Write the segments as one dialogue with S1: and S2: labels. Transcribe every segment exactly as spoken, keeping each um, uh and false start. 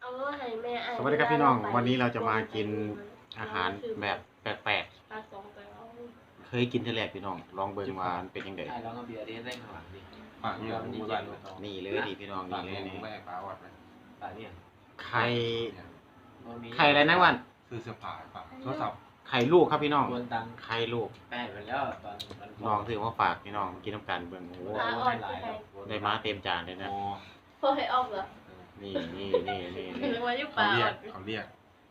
S1: ให้แม่อ่าน
S2: สวัสดีครับพี่น้องวันนี้เราจะมากินอาหารแบบแปลกๆเคยกินทีแรกพี่น้องลองเบิ่งว่ามันเป็นยังไง
S3: ใช่ลองเอาเบียร์ดิได้ข้างหลังดิ
S4: ปากเนี่ยมันบ้าน
S2: นี่เลยดิพี่น้อง
S4: ปา
S2: นี่
S4: ก
S2: เล
S4: เนี่ย ย
S2: นี่
S4: แม่ปลาวัดเลย
S3: ปากเนี่ย
S2: ไข่ไข่อะไรนะวัน
S4: ซื้อเสื้อผ้าปากโทรศัพท์
S2: ไข่ลูกครับพี่น้อง
S3: ควรตังค์
S2: ไข่ลูก
S3: แป้ไปแล้วตอนมัน
S2: น้องถือว่าฝากพี่น้องกินน้ำกันเบิ่งโอ้โห
S3: ได้หลายแล้ว
S2: ได้มาเต็มจานเลยนะ
S4: โอ้
S1: พอให้ออกเหรอ
S2: นี่นี่นี่นี่
S1: หรื
S2: นี่
S1: อว่ายุ
S4: เขา
S1: ป่า
S4: เรียกเขาเรียก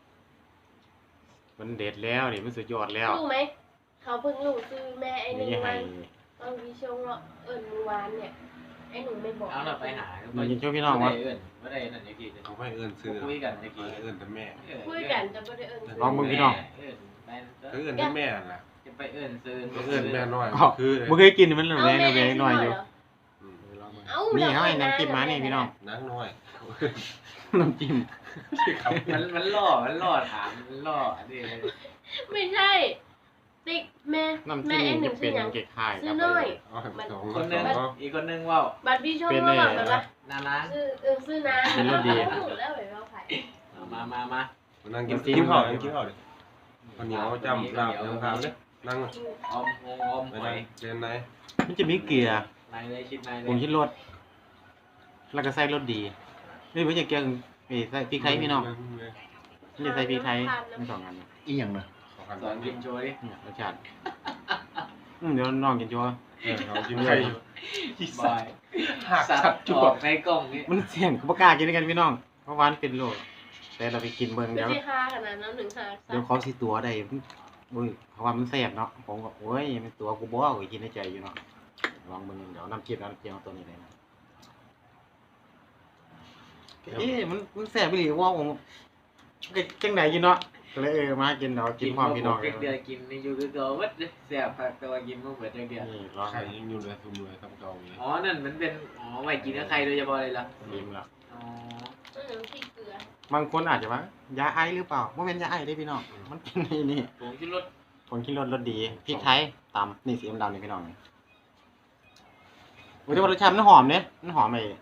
S2: มันเด็ดแล้วนี่มันสุดยอดแล้ว
S1: รู้ไหมเขาเพิ่งรู้ซื้อแม่ไอ้หนึ่ง
S2: นี่ให้
S1: วันตอนวิชงเราเอิญมือวานเนี่ยไอ้หนูไม่บอก
S3: เอาเราไปหา
S2: มันกินช่วยพี่น้องวะ
S3: เอิญไม่ได้นั่นยังกี่
S4: เขาไม่เอื้อนซื้อ
S3: คุยกันยังกี่
S4: เอื้อนแต่แม่
S1: คุยกันจะไม่ได้เอิญซื้
S2: ลองมึงพี่น้อง
S3: เอิญไป
S4: เขาเอื้อนแต่แม่แหละ
S3: จะไปเอิญซื้อ
S4: เขาเอื้อนแม่น้อย
S2: อ๋อ
S4: คือ
S2: มึงเคยกินมันเหลือ
S1: เอา
S2: แรง
S1: แม่
S2: แรงหน่อยอยู่
S1: เอ้า
S2: นี่
S1: นี่
S2: เขาให้น้ำจิ้มมานี่พี่น้อง
S4: นักน้อย
S2: น้ำจิ้ม
S3: มันมันล่อมันล่อถามมันล่ออันนี้
S1: ไม่ใช่ติ๊กแม่
S2: น้ำ
S1: แม่
S2: จิ้ม
S1: ไอ้ห
S2: จะ
S1: นึ่ง
S2: เป็
S1: ซื้อน อย่าง
S2: เก๊กข่าย
S1: ซื้
S2: ค
S1: อ
S2: รับ
S1: น้อย
S4: อ๋อสอง
S3: คนนึง
S4: สอง
S3: อีกคนนึงว่า
S1: บัตรพี่ชงมาแบบแบบว่า
S3: นาล้าง
S1: ซื้อเออซื้อน้ำ
S2: เป็นรสดี
S1: หมดแล้วแบบว่าไผ่
S3: มามามา
S4: นั่งกินกินข้าวกินข้าวดิคนเหนียวจำลาบยังทำเนี่ยนั่ง
S3: อมงงอม
S4: ไป
S3: ห
S4: ไหน
S3: อย
S4: เรียนไหน
S2: มันจะมีเกลือ
S3: นายเลยชิดนายเล
S2: ผง
S3: ย
S2: ชิดรสแล้วก็ใส่รสดีนี่ไม่ใช่เกลือเอ้ยใส่พริกไทยพี่น้องนี่จะใส่พริกไทยทั้งสองอัน
S5: อีหยังนะ
S3: สอนกินโชว์ดิ
S2: เนี่ยรสชาติอืมเดี๋ยวน้องกินชัวร์
S4: เออเขากินไข่อยู่
S3: บอยสัตว์ออกในกล้องนี่
S2: มันเสี่ยงกูบ่กล้ากินด้วยกันพี่น้องเพราะวามันเป็นโรคแต่เราไปกินเบิ่ง
S1: ไม่
S2: เดี๋ยว
S1: ใช่ห้าขนาดนั้นหนึ่งห้า
S2: เดี๋ยวเขาสิตัวได้อุ้ยเพราะว่ามันแซ่บเนาะผมก็โอ้ยมันตัวกูบ่เอาไปกินในใจอยู่เนาะลองเบิ่งเดี๋ยวน้ำจิ้มน้ำจิ้มเอาตัวนี้เลยนะเอ๊ะมันมันแซ่บไปหรือว่าผมจังไหนกินเนาะก็เลยเออมากินเนาะกินพร้อมพี่น้อง
S3: เดือนกินในยูทูบก็วัดเสียผักตัวกินมื่อเปิดเดือน
S2: นี่ลอง
S4: ไข่ยังอยู่เลยทุ่มเลยต้องเกาเลย
S3: อ๋อนั่นมันเป็นอ๋อไว้กินกับใครโดยเฉพาะเลยล่ะ
S2: ลิ้มละ
S3: อ๋อ
S1: เออพี่เกลือบ
S2: างคนอาจจะว่ายาไอหรือเปล่าบ่แม่นยาไอเด้พี่น้องมันเป็นนี่นี่
S3: ผมกินรส
S2: ผงกินรสรสดีพริกไทยตำนี่สีดำๆนี่พี่น้องนี่โอ้ยแต่ว่ารสชาติมันหอมเนี่ยมันหอมไอ้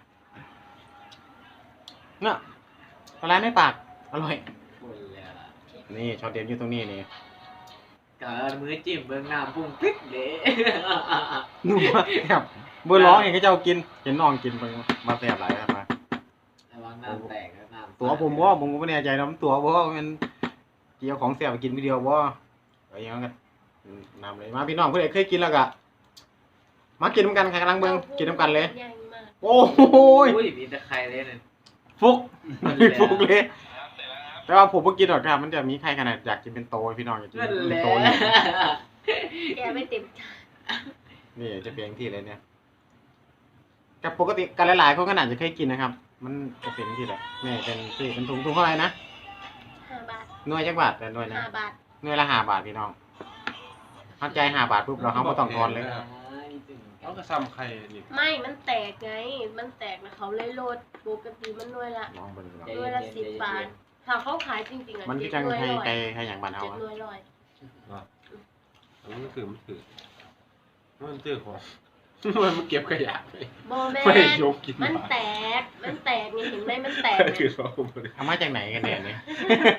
S2: เนี่ยอะไรในปากอร่อย
S3: คนเลยล่ะ
S2: นี่ช็อตเด็ดอยู่ตรงนี้นี่
S3: กับมือจิ้มเบิ้งน้ำพุ่งพริกเด้
S2: นุ่มมากครับเบอร์ร้องเองก็จะเอากินเห็นน้องกินไปมาแสบหลายครับมา
S3: ระวังน้ำแตกน้ำ
S2: ตัวผมว่าผมก็ไม่แน่ใจนะมันตัวว่ามันเกี่ยวของแสบไปกินวิดีโอว่าอะไรอย่างเงี้ยนำเลยมาพี่น้องเพื่อนเคยกินแล้วกะมากินน้ำกันใครกำลังเบิ่งกินน้ำกันเลย
S1: ใหญ่มาก
S2: โอ้โห
S3: อุ้ยมีตะไคร้เลยนั่น
S2: ฟุกฟุกเลยแต่ว่าผมเพิ่งกินหรอกครับมันจะมีใครขนาดอยากกินเป็นโตพี่น้องอยากกิน
S3: นั่น
S2: เป็
S3: แห
S2: น
S3: ละ
S2: โตอยู่
S1: แกไม่เต็มใจ
S2: นี่จะเป็นที่เลยเนี่ยกับปกติกันหลายๆคนก็อาจจะเคยกินนะครับ มันจะเป็นที่แหละนี่เป็นที่เป็นถุงถุงเท่าไหร่นะ
S1: ห้าบาท
S2: หน่วยจักบาทแต่หน่วยนะ
S1: ห้าบาท
S2: หน่วยละห้าบาทพี่น้องเข้าใจห้าบาทปุ๊บเราเขาไม่ต้องทอนเลย
S4: เขาก็ซ้ำไข่นี่
S1: ไม่มันแตกไง มันแตกแล้วเขาเลยโลดปกติมันด้วยละ
S2: ลองเบิ่งดู
S1: ด้วยละสิบบาทถ้าเขาขายจริงๆอ่ะ
S2: มันคือจังไทยไก่ไทยอย่างบ้านเฮา
S1: เจ็ด
S2: อะ
S1: หน่วยร้อย
S4: อันนี้มันคือมันคือมันเจอของมันเก็บขยะไป
S1: บอแม่
S4: ไม่ยกกิน
S1: มันแตก มันแตกนี่เห็นไหมมันแตก
S4: คือ
S1: เนี่ย
S4: เขาไม่ได้
S2: เอามาจากไหนกันเนี่ยเนี่ย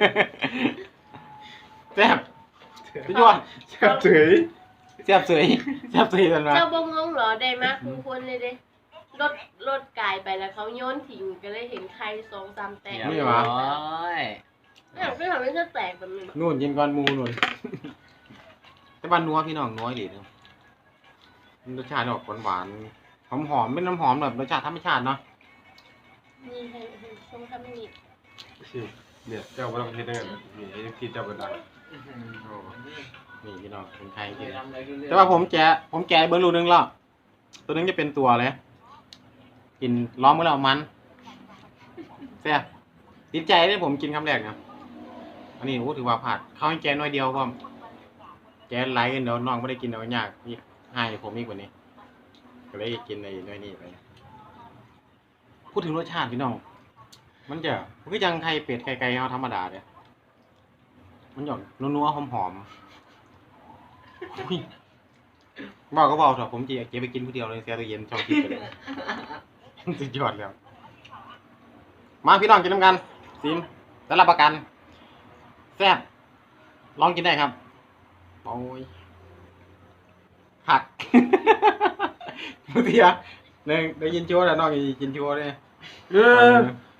S2: แซ่บสุดยอด
S4: แซ่บเฉย
S2: แซ่บสวยแซ่บสวยกันมา
S1: เจ้าบงงงเหรอได้มากคุณคนเลยเด้รถรถกายไปแล้วเขาโยนทิ้งก็เลยเห็นใครสองสามแตก
S2: นี่หวะ
S3: โอ้ย
S1: เนี่ยไม่ทำให้เธอแตกแบบนี้หรอ
S2: นู่นกินก้อนหมูนู่นแต่บ้านนัวพี่น้องน้อยดีเนาะรสชาติออกหวานๆหอมๆเป็นน้ำหอมแบบรสชาติธรรมชาติเนาะ
S1: นี่ให้ให้ชมทำนี่
S4: เนี่ยเจ้าพระประเทศได้ไงมีที่เจ้ากระดัง
S2: นี่พี่น้องเป็นใครกิน
S3: ทำอะไรก็เรื่อง
S2: แต่ว่าผมแกะผมแกะเบอร์ลูนึงแล้วตัวนึงจะเป็นตัวเลยกินล้อมเมื่อเรามันแซ่บติดใจเลยผมกินคำแรกนะอันนี้โอ้ถือว่าผัดเขาให้แกะน้อยเดียวก็แกะไหลกันเดี๋ยวน้องไม่ได้กินเดี๋ยวยากอีกให้ผมอีกกว่านี้ก็เลยกินในน้อยนี่ไปพูดถึงรสชาติพี่น้อง มันจะมันก็ยังไข่เป็ดไก่ไก่เอาธรรมดาเลยมันหย่อนนัวๆหอมๆอุ้ยบอกก็บอกเถอะผมจะเก็บไปกินผู้เดียวเลยเสียตัวเย็นชอบกินไปเลยสุดยอดแล้วมาพี่น้องกินน้ำกันซิมแต่รับประกันแซ่บลองกินได้ครับโอ้ยหัก เมื่อกี้หนึ่งได้ยินชัวร์แล้วน้องกินชัวร์เลย
S4: เออ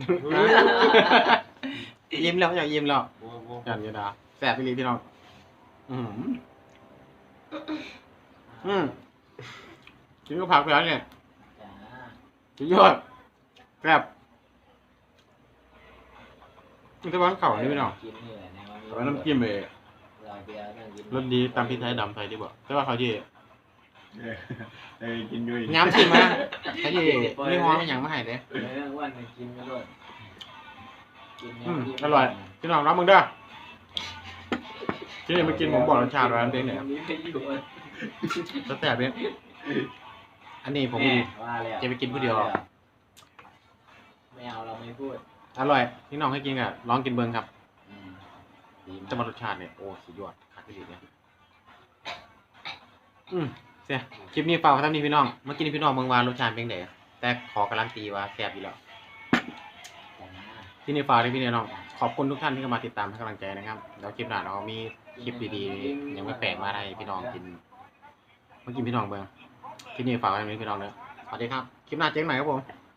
S2: ยิ้มแล้วอยากยิ้มแล้ว
S4: โอ้โห
S2: ยันยดาแซ่บไปเลยพี่น้องอืมอืมกินก็ผักไปแล้วเนี่ย
S3: จ้า
S2: สุดยอดแซ่บมันจะวางเข่านี่พี่น้อง
S3: กินนี่แหละในวันนี้
S2: เอาไว้น้ำจิ้มเลย
S3: รอยเบียร์นั่งกิน
S2: รสดีตามพริกไทยดำไทยที่บอกแต่ว่าเขาที่
S4: เออเออกินด้วย
S2: ย้ำชิมมาเขาที่ไม่ฮ้อนไม่หยังไม่ให้เลย
S3: เออวันหนึงกินก็ด้วยกิน
S2: อืม
S3: เนี่ย
S2: อร่อยพี่น้องรับมึงเด้อที่นี่มากินผมบอกรสชาติร้านเป็นเนี่ย
S3: มีประโยชน์
S2: รสแซ่บเนี่ยอันนี้ผม
S3: แม่ว่าแล้ว
S2: จะไปกินผู้เดียว
S3: ไม่เอาเราไม่พูด
S2: อร่อยพี่น้องให้กินกับลองกินเบิ้งครับ
S3: อืมดีมาก
S2: จะมารสชาติเนี่ยโอ้สุดยอดคักที่สุดเนี่ยอืมเสียคลิปนี้ฝากไว้เท่านี้พี่น้องเมื่อกี้นี้พี่น้องเมืองวานรสชาติเป็นไงแต่ขอการันตีว่าแซ่บอยู่แล้ว
S3: จ้า
S2: ที่นี่ฝากด้วยพี่น้องขอบคุณทุกท่านที่เข้ามาติดตามให้กำลังใจนะครับแล้วคลิปหน้าเรามีคลิปดีๆยังไม่แปลกมาให้พี่น้องกินเมื่อกี้พี่น้องเบิ้งที่นี่ฝากไว้เท่านี้พี่น้องเนอะสวัสดีครับคลิปหน้าเจ๊งใหม่ครับผม
S3: จ